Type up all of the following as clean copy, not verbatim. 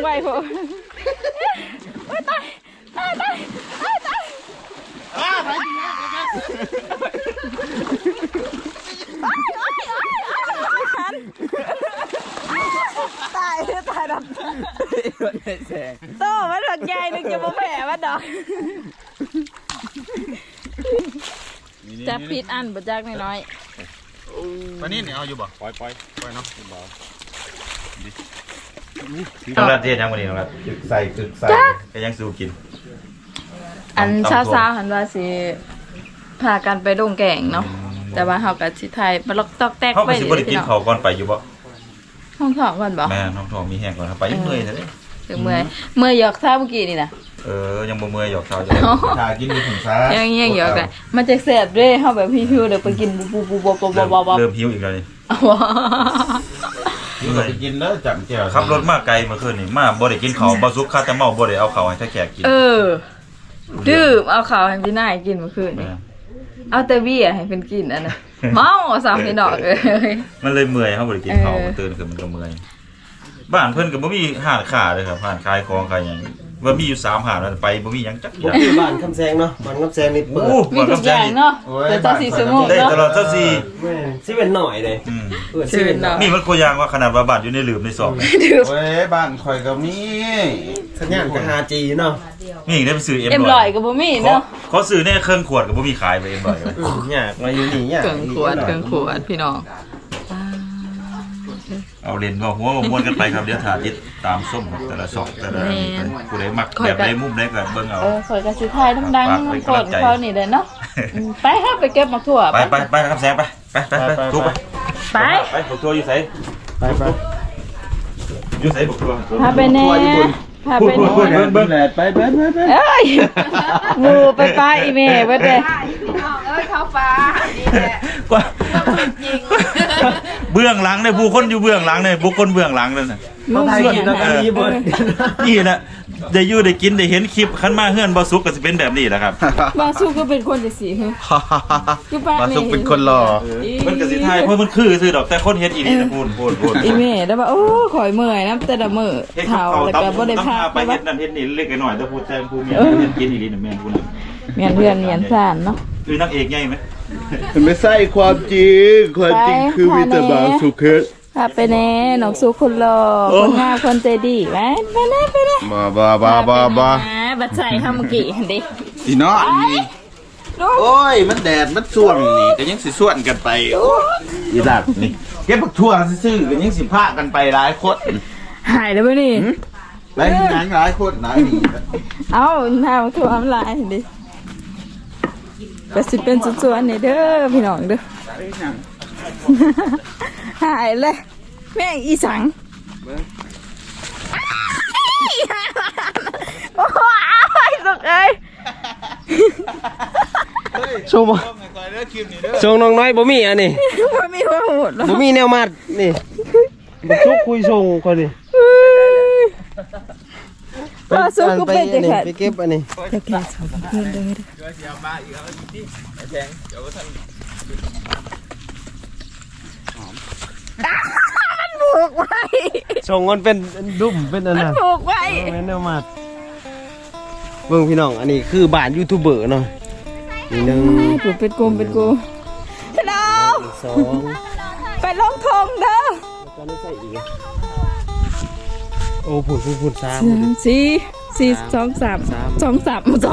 ไว้พวกตายดับโต้มันหลักใหญ่นึงจะมาแผ่มันดอกจะผิดอันบดจักน้อยปลานิ่นเอาอยู่บ่ปล่อยเนาะน้องรัดเทียนยังวันนี้น้องรัดจึกใส่ก็ยังสู้กินอันเช้าหันว่าสิพากันไปดงแก่งเนาะแต่ว่าเฮากับสิไทยมาล็อกตอกแตกไปเขาบ่ได้กินเขาก่อนไปอยู่บ่ห้องท้องก่อนบ่แม่น้องท้องมีแห้งก่อนครับไปยังเมื่อยเลยถึงเมื่อยหยอกเช้าเมื่อกี้นี่นะยังบ่เมื่อยหยอกเช้าจะทากินอยู่ถึงช้ายังหยอกได้มันจะแซ่บเด้เฮาแบบหิวๆเดี๋ยวไปกินบูเริ่มหิวอีกแล้วนี่หิวไปกินแล้วจับแก้วขับรถมาไกลเมื่อคืนนี่มาบ่ได้กินข้าวบ่สุกคาแต่เมาบ่ได้เอาข้าวให้ถ้าแขกกินดื่มเอาข้าวให้พี่นายกินเมื่อคืนนี่เอาแต่เบี้ยให้เพิ่นกินอันน่ะเมาสามพี่น้องมันเลยเมื่อยเฮาบ่ได้กินข้าวตื่นขึ้นมันก็เมื่อยบ้านเพิ่นก็บ่มีห้านค้าเลยครับห้านขายของขายหยังว่ามีอยู่3ห้านแล้วไปบ่มีหยังจักอย่างบ้านคำแซงเนาะบ้านคำแซงนี่เปิดมีทุกอย่างเนาะแต่24ชั่วโมงได้ตลอด24 สิเป็นหน่อยเลยสิเป็นหน่อยมีมันโคยางว่าขนาดว่าบ้านอยู่ในหลืมในซอกเว้ยบ้านข่อยก็มีสัญญาณก็ 5G เนาะมีได้ไปซื้อ M100 ก็บ่มีเนาะเขาซื้อในเครื่องขวดก็บ่มีขายไป M100 ยากมาอยู่นี่ยากเครื่องขวดพี่น้องเอาเล่นก็หัวม้วนกันไปครับเดี๋ยวถ่าติดตามส้มแต่ละซอกแต่ละผู้ใดมักแบบใดมุมใดก็เบิ่งเอาข่อยก็สิถ่ายดังๆกดเขานี่เด้เนาะไปเฮาไปเก็บมักถั่วไปครับแซงไปทุบไปบักถั่วอยู่ไสอยู่ไสบักถั่วพาไปแน่พาไปแน่เบิ่งแหละไปเอ้ยหมู่ไปป้าอีแม่เบิดเด้เข้าฟ้านี่แหละกว่าจริงเบื้องหลังเนี่ยผู้คนอยู่เบื้องหลังเนี่ยบุคคลเบื้องหลังนั่นน่ะนี่นะได้อยู่ได้กินได้เห็นคลิปคันมาเฮือนบ่สุกก็สิเป็นแบบนี้แหละครับบ่สุกก็เป็นคนจังซี่ฮะบ่สุกเป็นคนหล่อมันก็สิทายเพราะมันคือซื่อดอกแต่คนเฮ็ดอีนี่นะพูนอีแม่ได้ว่าโอ้ข่อยเมื่อยนำแต่ละมื้อเฒ่าแล้วก็บ่ได้พักไปเฮ็ดนั่นเฮ็ดนี่เล็กน้อยแต่พูดแต่ผู้มีเฮ็ดกินอีนี่น่ะแม่นผู้นั้นแม่นเพื่อนเมียนซ่านเนาะคือนางเอกใหญ่มั้ยมันไม่ใช่ความจริงคือมีแต่บางสุขพาไปแน่น้องสุคนหล่อคนงามคนใจดีไปแน่บ้าบัดใส่เฮาเมื่อกี้หั่นดิพี่น้องโอ้ยมันแดดมันส่วงนี่ก็ยังสิส่วนกันไปอีหลัดนี่เก็บบักทั่วซื่อๆก็ยังสิพากันไปหลายคนหายแล้วบ่นี่หลายคนหลายนี่เอ้าหน้าบักทั่วมันหลายดิก็สิเป็นส่วนๆนี่เด้อพี่น้องเด้อหายเลยแม่งอีสังโอ้ยสุกเอ้ยส่งน้องน้อยบ่มีอันนี้บ่มีว่าโหดบ่มีแนวมัดนี่บ่ซุกคุยส่งก่อนดิว่าซุกก็เป็นจะขาดไปเก็บอันนี้จะแก่สองเพื่อนเลยมันผูกไว้ส่งมันเป็นดุ่มเป็นอันนั้นผูกไว้แนวมัดเบิ่งพี่น้องอันนี้คือบ้านยูทูบเบอร์เนาะนี่นึงเป็นกลมฮัลโหล2ไปลงทงเด้อโอ้ผุน 3 4 2 3 2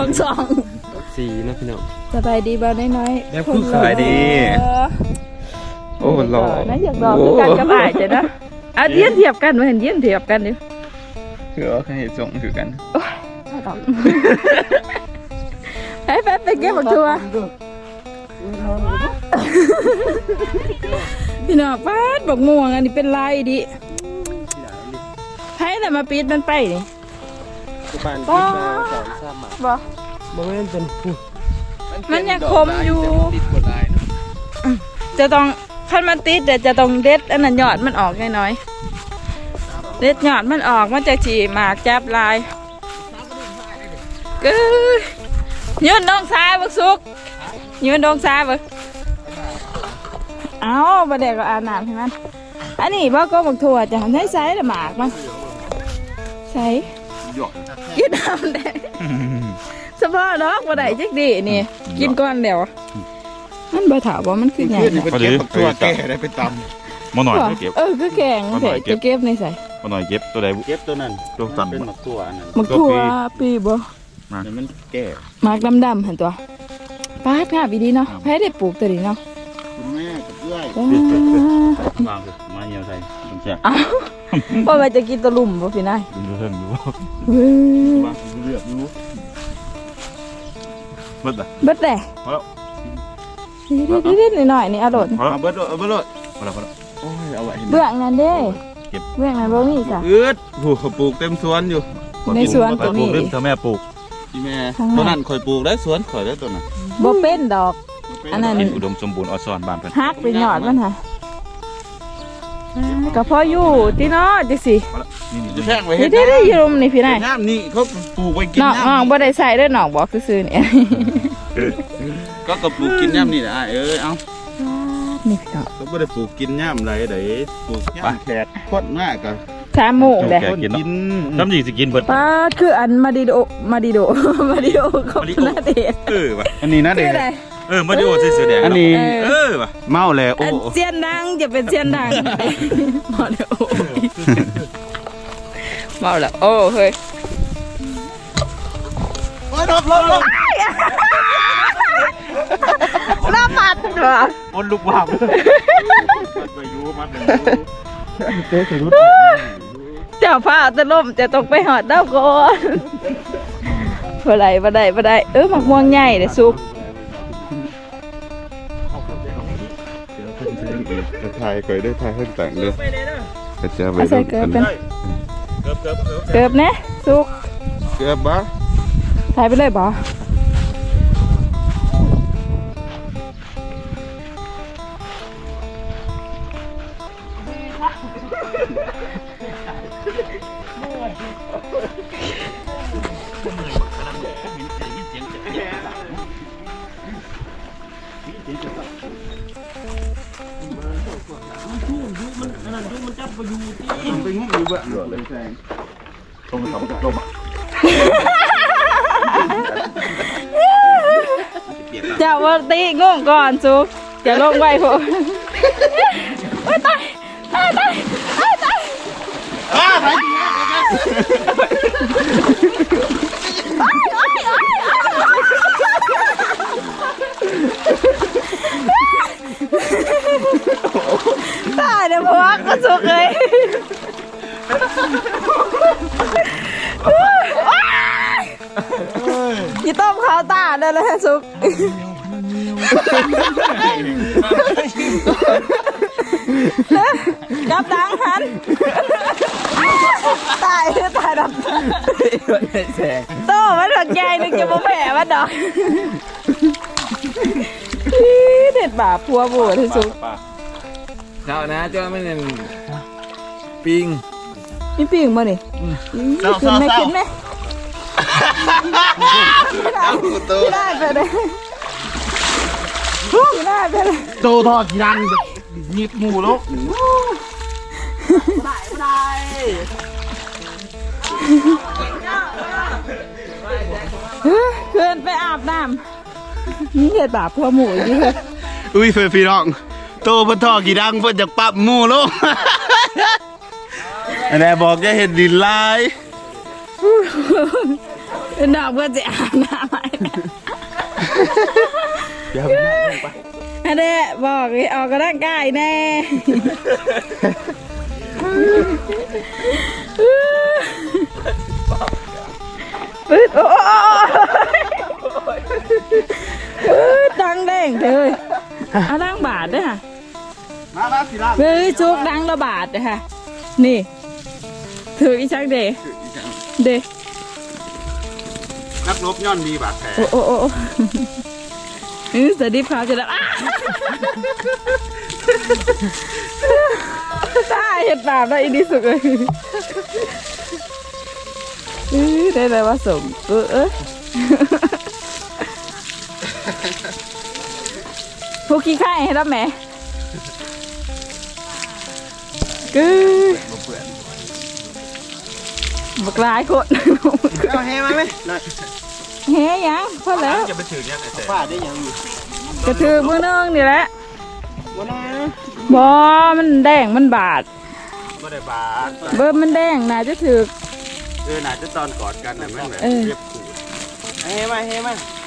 4นะพี่น้องสบายดีบ่น้อยๆคือขายดีโอ้หล่อนะอยากดอกคือกันกับอ้ายจ้ะนะเอาเทียบกันบ่เห็นเทียบกันดิคือเขาเฮ็ดส่งคือกันไปเก็บบักทั่วพี่น้องป้าดบักม่วงอันนี้เป็นลายดิให้แต่มาปิดมันไปนี่บ่บ่แม่นเป็นมันยังคมอยู่จะต้องคันมันติดแต่จะต้องเด็ดอันนั้นยอดมันออกน้อยๆเด็ดยอดมันออกมันจะฉี่หมากจับลายก็ยืนน้องซ้ายบักสุกยืนน้องซ้ายบักเอาประเดี๋ยวก็อาบน้ำให้มันอันนี้บ่ก็บักถั่วจะให้ไซส์ละหมากมันใส่หยอกกินน้ำแดงเฉพาะดอกบ่ได้จักดีนี่กินก่อนเดี๋ยวมันบ่ถามว่ามันคือหยังขึ้นนี่เป็นเก็บตัวแก่ได้ไปตมาหน่อยเก็บคือแกงแท้จะเก็บในใส่มาหน่อยเก็บตัวใดำเก็บตัวนั้นตัวตันเป็นหมักตัวอันนั้นมักทั่วปีบ่เดี๋ยวมันแก่หมากดำๆหั่นตัวป้าดงามอีดีเนาะไผได้ปลูกตัวนี้เนาะคุณแม่กับเอื้อยว้าววางคือมาเหี่ยวใส่มันแซ่บอ้าวว่ามันจะกินตะลุ่มบ่พี่นายดูเทิงอยู่เว้ยวางเลือกอยู่เบิดอ่ะเบิดแหละพอแล้วนิดๆหน่อยๆนี่อร่อยพอแล้วเอาเบิดเอาเบิดเลยพอแล้วพอแล้วโอ้ยเอาไว้ให้เบื้องนั้นเด้เก็บเบื้องนั้นบ่มีจ้ะอืดโอ้โหปลูกเต็มสวนอยู่ในสวนก็ปลูมีกเริ่มเธอแม่ปลูกพี่แม่ตัวนั้นข่อยปลูกได้สวนข่อยได้ตัวนั้นบ่เป็นดอก อันนั้นกินอุดมสมบูรณ์ออซอนบ้านเพิ่นฮักไปหยอดมันค่ะก็พออยู่ที่เนาะจังสิพอแล้วนี่จะนี่แท่งไว้นี่เฮ็ดได้อยู่รุมนี่พี่นายน้ำนี่เขาปลูกไว้กินน้องน้ำบ่ได้ใส่เด้อน้องบอกซื่อๆนี่ก็ปลูกกินน้ำนี่แหละเอ้ยเอานี่พี่น้องก็ไม่ได้ปลูกกินน้ำไรเด้ปลูกย่ำแขกโคตรมากอะ 3โมงเด้คนกินน้ำจีสิกินเบิดป้าคืออันมาดิโด มาดิโดของนาเดชน์ว่ะอันนี้นะคืเด็อก อะไรมาดิโอเสื้อแดงอันนี้ว่ะเมาแล้วโอ้อันเสียนดังจะเป็นเสียนดังมาเดี๋ยวโอ้ยเมาแล้วโอ้เฮ้ยโอ้ยลบน้ำมันเหรอคนลูกวาบไปอยู่มัดหนึ่งเจ้าผ้าจะล่มจะตกไปหอดเต้าก่อนบ่ได้บ่ได้หมักม่วงใหญ่เด้ซุปถ่ายก่อยได้ถ่ายให้แต่งเลยกระเจี๊ยบไปเอาใส่เกลือเป็นเกือบเกือบนะซุปเกลือบ้าถ่ายไปเลยบ่ไปงุ้มอยู่เบื้องหลเลยแซงลงลงเจ้าว่าตีงงก่อนซุปจะลงไว้พวกตายตายเดี๋ยวพวกก็สุกเลยยี่ต้มข้าวตาได้เลยสุกกับดังหันตายดอกโตมันดอกใหญ่นึกจะมาแผ่มันดอกเด็ดบาปพัวบัวที่สุดเช้านะเจ้าไม่เน้นปิงมีปีกมาดิขึ้นไหมขึ้นไหมไม่ได้ไปเลยไม่ได้ไปเลยโตทอดกี่ดังหยิบหมูลูกเพื่อนไปอาบน้ำนี่เห็ดบาปพัวหมูอีกเลยอุ้ยเฟย์พี่น้องโตเพิ่นทอดกี่ดังเพิ่นจะปรับหมูลูกอันนี้บอกจะเห็นดินลายเป็นดอกเพื่อนจะอาบน้ำไหมเดี๋ยวอันนี้บอกให้ออกกำลังกายแน่ปึ๊ดโอ้ดังแดงเลยเอาดังบาทด้วยค่ะมาสิล่ะเฮ้ยชุกดังระบาดเลยค่ะนี่ถืออีชักเดเดนักรบย่อนมีบาดแผลโอ้สวัสดีครับจะได้ตายเห็ดบาปแล้วอีนี่สุดเลยได้เลยว่าสมพวกขี้ไข่ให้รับแม่บักร้ายคนเอาแห่มาไหมหน่อยเฮ้ยยังพอแล้วจะไปถือเนี่ยแต่ฟาดได้ยังอยู่กระถือมือนึงนี่แหละบ่ได้นะบอมันแดงมันบาดบ่ได้บาดเบิ่มมันแดงน่าจะถือน่าจะตอนกอดกันน่ะมันแบบเออเรียบขูดเฮ้มาเฮ้มา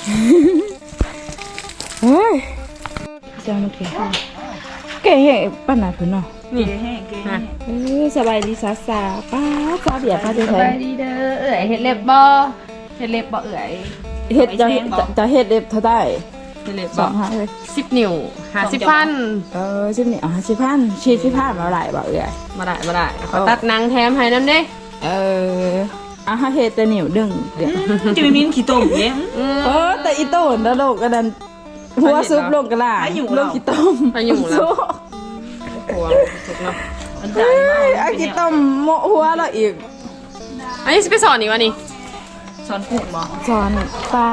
เฮ้ยเจ้ามันแก่แก่แห้งปานไหนเพิ่นเนาะนี่ฮะสบายดีสาสาป้าป้าเบียดป้าจะสใช้บายดีเด้อเอื่อยเฮ็ดเล็บบ่เฮ็ดเล็บบ่เอื่อยเฮ็ดจะเฮ็ดเด็บเท่าได้เฮ็ดเล็บสบ่องห้าเลย 10 นิ้ว50,000 ชิมนี่อ๋อ10,000ชี10,000มาหลายบ่เอ้ยมาได้ขอตัดหนังแถมให้นำเด้เฮ็ดแต่นิ้วดึงเดี๋ยวจะไม่มีขี้ต้มเนี่ยแต่อีโต้นแล้วโลกกระดันหัวซุปลงกระลาลงกี่ต้มไปอยู่แล้วหัวสุกเนาะมันได้มากเอากี่ต้มโมหัวเราอีกอันนี้สิไปสอนอีกวะนี่สอนกุ้งบ่สอนป้า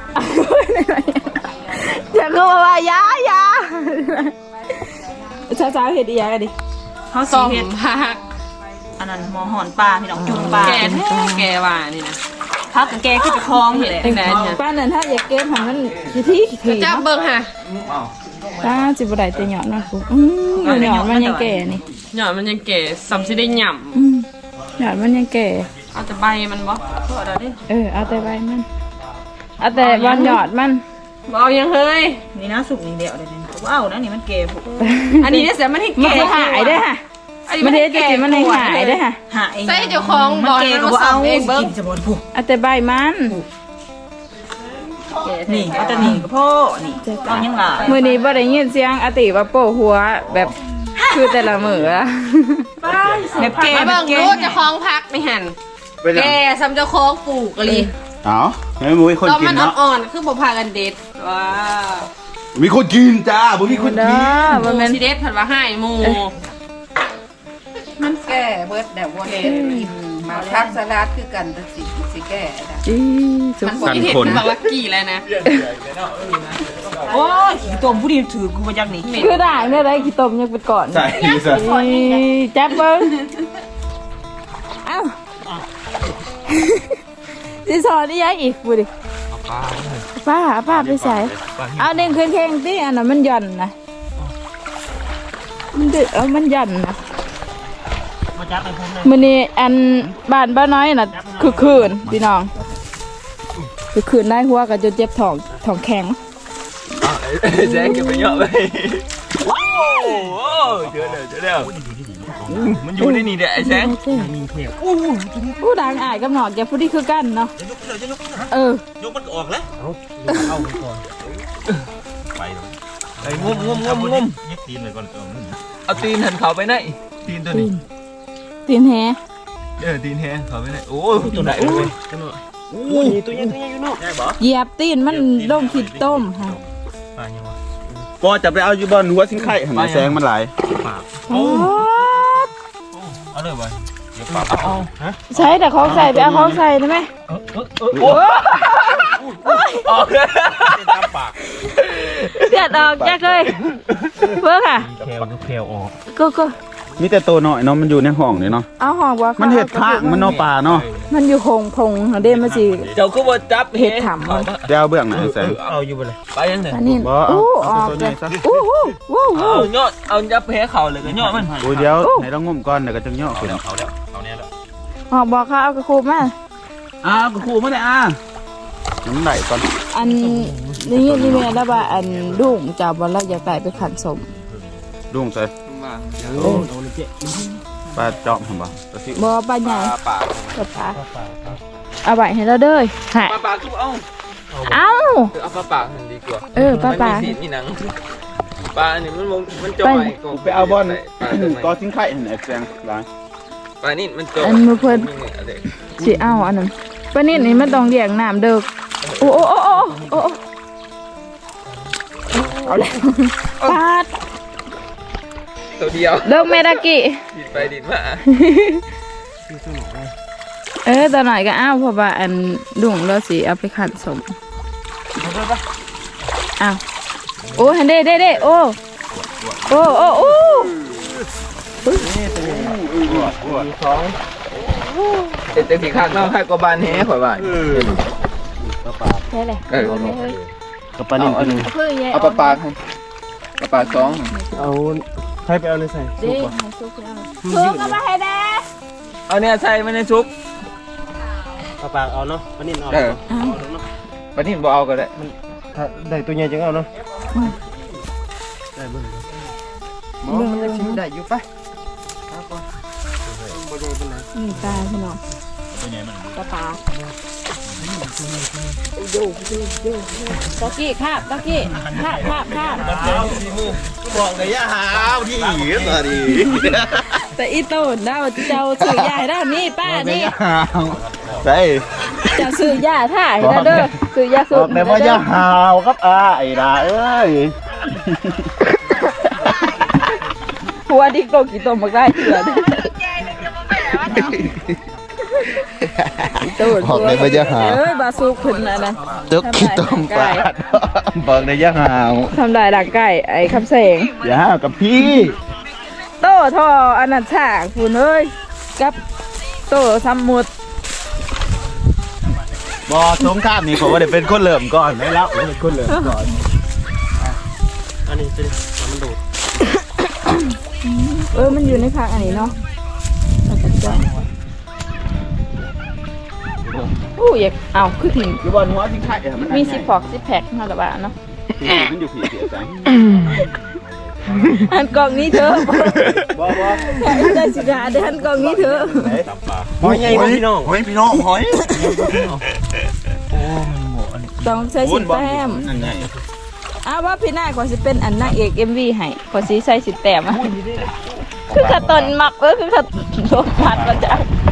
อย่าเข้ามาว่ายายาช้าๆเฮ็ดอีหยังกันดิเขาสสีอมเห็ดผักอันนั้นหมอหอนปลาพี่น้องจุ่มปลาแก่แท้แก่ว่านี่นะพักกับแกขึ้นไปคลองนี่แหละจังได๋เนี่ยป้านั่นถ้าอยากเก็บให้มันขี้จับเบิ่งค่ะป้าสิบ่ได้แต่หยอดมันปุ๊บหยอดมันยังแก่นี่หยอดมันยังแก่ซ้ำสิได้หย่ำหยอดมันยังแก่เอาแต่ใบมันบ่พอแล้วดิเอาแต่ใบมันเอาแต่บอนหยอดมันบ่เอายังเฮ้ยนี่นะสุกนี่เดียวเลยนี่ว้าวนะนี่มันแก่ปุ๊บอันนี้เนี่ยเสียมันให้มันแก่จะหายได้อค่ะมันเฮ็ดจะกินมันให้หายได้อค่ะหาเองใส่เจ้าของมันบ่แก่ให้ก็มันบ่เอาสำเองเบิ่งกินจะบ่ผูกเอาแต่ใบมันนี่เอาแต่นี่ก็พ่อนี่เอายังหลายมื้อนี้บ่ได้ยินเสียงอาติว่าโป้หัวแบบคือแต่ละมื้ออะแบบแก่มาแบเบิ่บงแก่ดูเจ้าของพักนี่หั่นเป็นหยังแก่ซ้ำเจ้าของปลูกอะลิเอ้าไม่มีคนตอนกิมัน นเนาะอ่อนๆคือบ่พากันเด็ดว้าวมีคนกินจ้าบ่มีคนเด้กินอบ่แม่นสิเด็ดเพิ่นว่าให้หมู่มันแก่เบิดแต่ว่ากินมาพักสลัดคือกันแต่สิแก่นะอีสุขสั่นที่เห็นคนบางลักกี้แล้วนะโอ้ยขี้ต้มผู้ดีถือกูมาจากนี่คือได้เมื่อไรขี้ต้มยังเป็นก่อนใช่ใช่จับเบิ้งเอ้าสิสอนนี่ยังอีกพูดดิป้าไปใส่เอาเด้งขึ้นแข้งที่อันนั้นมันหย่อนนะมันดึมันหย่อนนะมื้อนี้อันบ้านบ้านน้อยน่ะคือคืนพี่น้องคือคืนได้หัวก็จะเจ็บท้องแข็งแจ๊กจะไปเยอะไปว้าวเจอแล้วมันอยู่ในนี่เด้อไอ้แจ๊กผู้ดังอายกับหนอกอย่าพูดที่คือกันเนาะยกมันออกแล้ว ไปเลยไอ้งุ้มยึดตีนเลยก่อนเอาตีนหันเขาไปไหนตีนตัวนี้ตีนแฮตีนแฮเขาไปไหนโอ้ยตัวไหนเลยโอ้ยตัวใหญ่อยู่เนาะเหยียบตีนมันลงขีดต้มค่ะปอจะไปเอาอยู่บนหัวสิงไข่หันแสงมันหลายโอ้เอาเลยไปเดี๋ยวปากเอาฮะใช้แต่ของใส่ไปเอาของใส่ได้ไหมโอ้ออกตามปากเดือดออกแจ๊กเลยเพื่อค่ะแควออกก็มีแต่ตัวน้อยเนาะมันอยู่ในห้องนี่เนาะเอาห่องว่ามันเห็ดทางมันเนาะป่าเนาะมันอยู่คงพงเดมาสิเจ้าก็บ่จับเห็ดถามมันเดี๋ยวเอาเบื้องไหนแสงเอาอยู่ไปเลยไปยังไงอันนี้บ่เอาออกตัวเลนี้ยซะเอายอดเอาจับแพ้เข่าเลยก็ยอดมันโอ้ยเดี๋ยวให้เรางมก่อนเดี๋ยวก็จะย่อขึ้นเอาแล้วเอาเนี่ยแล้วออกบอกเขาเอากระคูมาก็ครูมาได้น้ำไหลก่อนอันนี้นี่แม่แล้วว่าอันดุ้งจับบอลแล้วอยากได้ไปขันสมดุ้งใส่ปลาจอมผมบ่ปลาซิวบอปลาใหญ่ปลากับปลาเอาไว้ให้เราเด้อหายปลาคือเอาเอ้าเอาปลาหันดีกว่าปลามันมีสีนี่หนังปลานี่มันจอยไปเอาบอลก็สิงไข่หันแสงหลายปลานี่มันจอยอันมือเพิ่นสิเอาอันนั้นปลานิ่นี่มันต้องเลี้ยงน้ำเด้อโอ้เอาแล้วปาดตัวเดียวเลิกเมดากิดิดไปดิดมาตัวหน่อยก็อ้าวเพราะว่าอันดุ่งเราสิเอาไปขันสมอ้าวโอ้ฮันเด้โอ้แต่สีข้างนอกข้างกบานแฮ่ข่อยว่าแค่เลยเออเฮ้ยกับปลานิ่มอันนึงเพื่อแย่เอาปลาให้ปลาสองเอาใครไปเอาในใส่เด้ให้ซุกเอาซุกเอามาให้แด้เอาเนี่ยใส่ไม่ในซุปปากเอาเนาะปลานิ่มเอาเออปลานิ่มบ่เอาก็ได้ถ้าได้ตัวใหญ่จังเอาเนาะมองมันจะชิมได้อยู่ปะนี่ตาพี่น้องเป็นไงมันปลาปลาตะกี้คาบตะกี้คาบบอกเลยอย่าหาวที่อีกตอนนี้แต่อีโต้เดาเจ้าซื้อยาให้ได้นี่ป้านี่หาวใช่เจ้าซื้อยาท่าให้ได้เด้อซื้อยาบสูอบ กเลยว่าอย่าหาวครับไอ้ดาเอ้ยหัวดิกโตกี่ตัวมาได้เถื่อนบอกเลยว่าอย่าหาวเอ้ยบาซูขึ้นนะนะตึกขี้ต้มปลาบอกเลยอย่าหาวทำลายร่างกายไอ้คำแสงอย่าหาวกับพี่โตท่ออันนั้นฉากคุณเอ้ยกับโตสมุดบอสงครามนี่ผมว่าเดี๋ยวเป็นคนเริ่มก่อนไม่แล้วเป็นคนเริ่มก่อนอันนี้สิมันดูดมันอยู่ในพักอันนี้เนาะอู้อยากเอาคือถึงอยู่บนหัวสิงไข่มันมี10 พอก10 แพ็คมาละบาทเนาะมันอยู่ผีเสียใจอันกล่องนี้เถอะบอบอใจสิกาเดี๋ยวอันกล่องนี้เถอะหอยใหญ่พี่น้องหอยพี่น้องหอยต้องใช้สิแต้มนั่นไงอ้าวว่าพี่นายขอสิเป็นอันนางเอก MV ให้ขอสิใส่สิแต้มอ่ะคือกระตนหมักคือกระโดดพัดมาจาก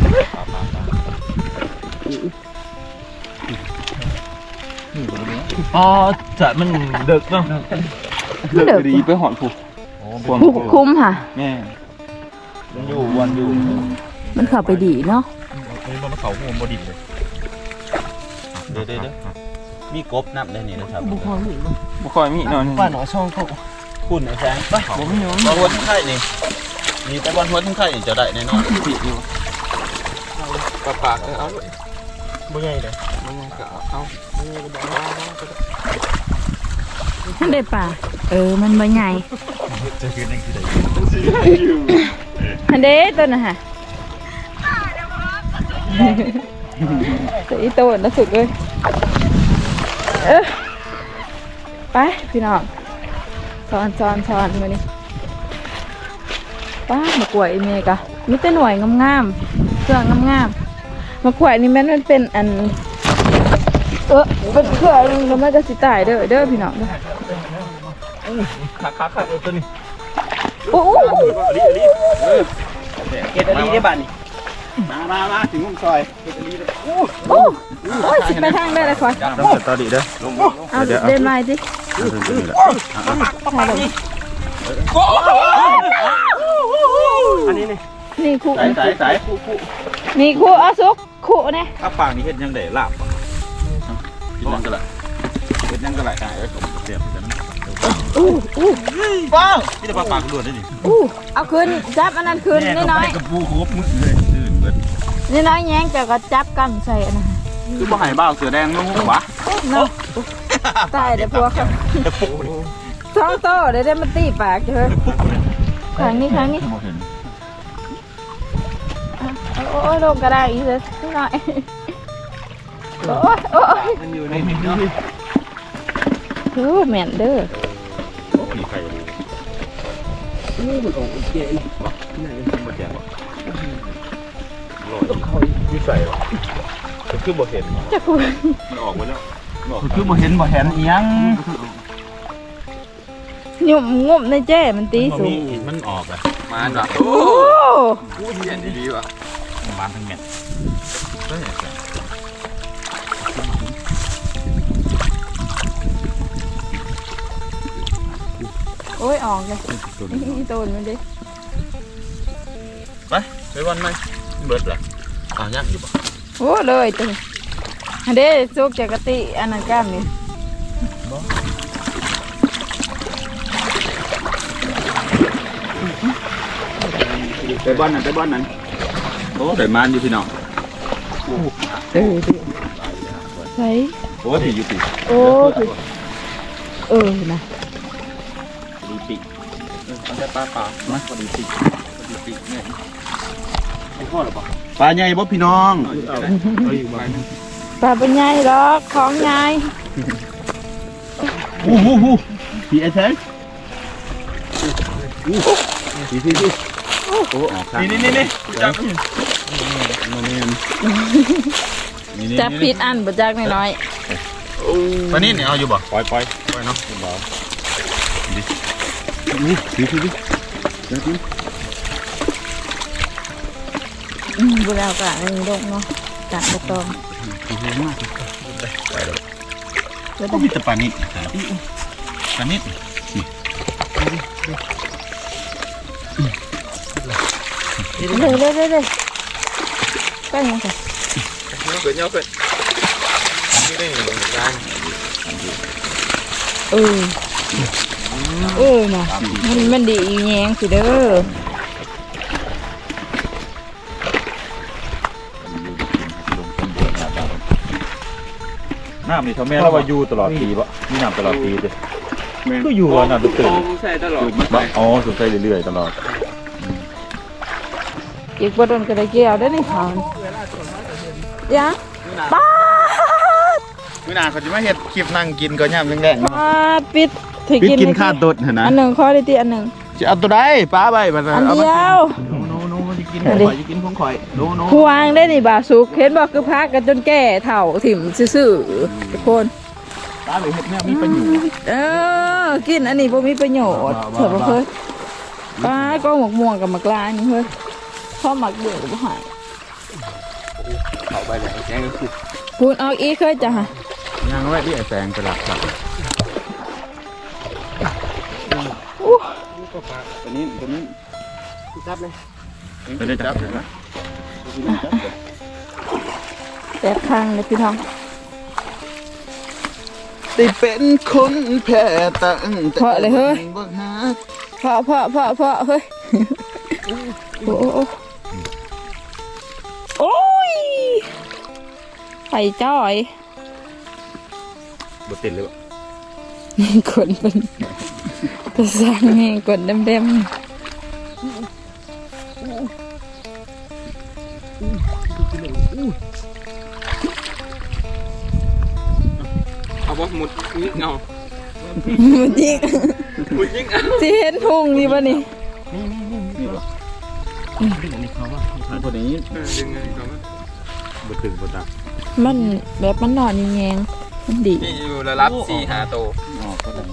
อ๋อจะมันเดึกเนาะเดึกดีไปหอนผูกคุ้มค่ะแม่มันอยู่วันอยู่มันเข้าไปดีเนาะนี่มันเขาหัวบดิบเลยเดี๋ยวมีกบนับได้นี่นะครับบ่ค่อยมีนอนป้าหนอช่องเขาคุณไอ้แสงไปบนหัวทุ่งไข่นี่มีแต่บนหัวทุ่งไข่จะได้แน่นอนปิดอยู่ปากเอาบ่ใหญ่เลยมันก็เอามันได้ป่ะมันบ่ใหญ่จะคือนั่งที่ไหนอันเด้ตัวน่ะฮะแต่อีโตน่ะสุดเลยไปพี่น้องสอนมานี่ป้ามากล้วยอีเมกะมีแต่หน่วยงามๆเครื่องงามๆมากล้วยนี่มันเป็นอันเป็นเครื่องแล้วมันก็สิตายเด้อพี่น้องเด้อขาตัวนี้โอ้โหเกตอรีได้บ้านนี่มาถึงมุมซอยโอ้ยสิไปทางได้เลยคอยต้องสตอรี่เด้อเอาเดินมาสิถ่ายลงอันนี้นี่นี่คู่สายนี่คู่เอาซุกคู่เนี่ยถ้าปากนี่เฮ็ดยังได้ลาบกินนั่งก็ละกินนั่งก็ละได้เสียบกันป้องนี่แต่ปากล้วนได้ดิเอาคืนจับอันนั้นคืนนี่น้อยกับปูครบมือเลยซื่นเบิดนี่น้อยแย้งแต่ก็จับกันใส่อันนั้นคือบ่ให้บ้าเสือแดงนุ่งหัวเนาะตายเดี๋ยวพวกเขาท้องโตเดี๋ยวได้มาตีปากเถอะครั้งนี้โอ้ยลงกระได้อีกเลยน้อยโอ้ยมันอยู่ในนี้เนาะแม่นเด้อผีไข่เลยนี่มันออกเกตบ่แจกบ่อยู่ใส่หรอคือบ่เห็นจะคุยมันออกไปแล้วคือบ่เห็นอีหยังหยุ่มงุ่มในแจ้มันตีสูงมันออกอ่ะมาจ้ะโอ้เย็นดีว่ะมันทั้งเม็ดโอ้ยออกเลยอีโตนมันดิไปวันไหมเบิดล่ะยังอยู่บ่โอ้เลยตัวอันเด้ซุกจากกะติอันนั้นกล้ามนี่ไปบ้านนั้นโอ้ได้มานอยู่พี่น้องใช่โอ้ที่อยู่ติโอ้นะดีปีกมันจะปลาเปล่ามาพอดีปีกเนี่ยพ่อหรือเปล่าปลาใหญ่บ่พี่น้องเอาอยู่บ้านปลาเป็นไงหรอกของไงพี่ไอ้แท้พี่โอ้ออกข้างนี่จับจับผิดอันบ่จักน้อยปลานี่เนี่ยเอาอยู่บ่ปล่อยเนาะบ่แล้วกะอันนี้ดกเนาะกะบ่ต้องก็ก็มีแต่ปลานิดปลานิดเลยก็ยังค่ะเกิดเนาะเกิดนี่ได้ร้านน่ะมันดีอีแยงสิเด้อน้ำนี่เท่าแม่เราว่าอยู่ตลอดปีบ่มีน้ำตลอดปีจ้ะก็อยู่ว่าน้ำตื่นใส่ตลอดบ่อ๋อสนใจเรื่อยๆตลอดอีกบ่โดนก็ได้เกี่ยวได้นี่เขายังป้ามื้อหน้าเขาจะมาเฮ็ดคลิปนั่งกินก็ย่ำแดงๆเนาะปิดถือพี่กินกินข้าวตดหั่นนะอันหนึ่งข้อได้ตีอันหนึ่งจะเอาตัวใดปลาใบบัดอันเดียวโนจะกินของข่อยจะกินของข่อยโนพวงได้นี่บ่าสุกเห็นบอกคือพักกันจนแก่เถ่าถิ่มซื่อๆทุกคนปลาเลยเฮ็ดแนวมีประโยชน์กินอันนี้บ่มีประโยชน์เถอะบ่เคยป้าก็หมกม่วงกับหมกลานี่เฮ้ยพ่อหมักเบื่อก็บ่หายเข้าไปเลยแจ้งก็คือพูดเอาอีกเคยจ้ะฮะยังไว้ที่ไอ้แสงไปหลักครับตัวนี้จับเลยไปได้จับเลยนะแซ่บทางเลยพี่น้องได้เป็นคนแพ้ตั้งแต่เพราะอะไรเฮ้ยบ่หาเพราะเฮ้ยโอ้ยไข่จ้อยบ่ติดเลยบ่กดมันจะสร้างแห้งกดเต็มเอาบ่หมุดนี่เงาๆมันยิงหมุดยิงเอาสิเห็นทุ่งนี่ป่ะนี่คนนี้ดึงไงครับบ่ถึงบ่ตักมันแบบมันนอนแยงๆมันดีนี่อยู่ระดับ4-5โตอ๋อก็ได้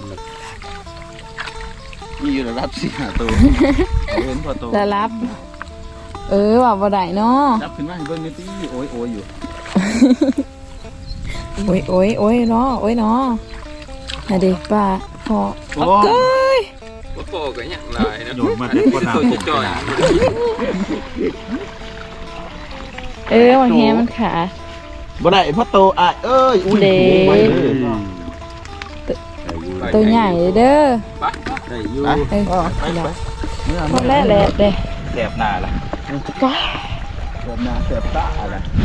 มีอยู่ระดับ4-5ตัวเห็นพอตัวแล้วรับ ว่าบ่ได้เนาะจับขึ้นมาให้เบิ่งนิดนึงโอ้ยอยู่โอ้ยเนาะอะดิป้าพอโอ้เก้ยบ่โตก็ยังหลายนะโยนมาแต่คนน้ำตัวจ่อยวันแฮมันขาดบ่ได้เพราะโตอ่ะเอ้ยอุ้ยเด้ไปเลยตัวใหญ่เด้อได้อยู่ไปแล้วเมื่อพอแล้วแหละเด้แสบหน้าล่ะก็เสียบหน้าเสียบตาอะไร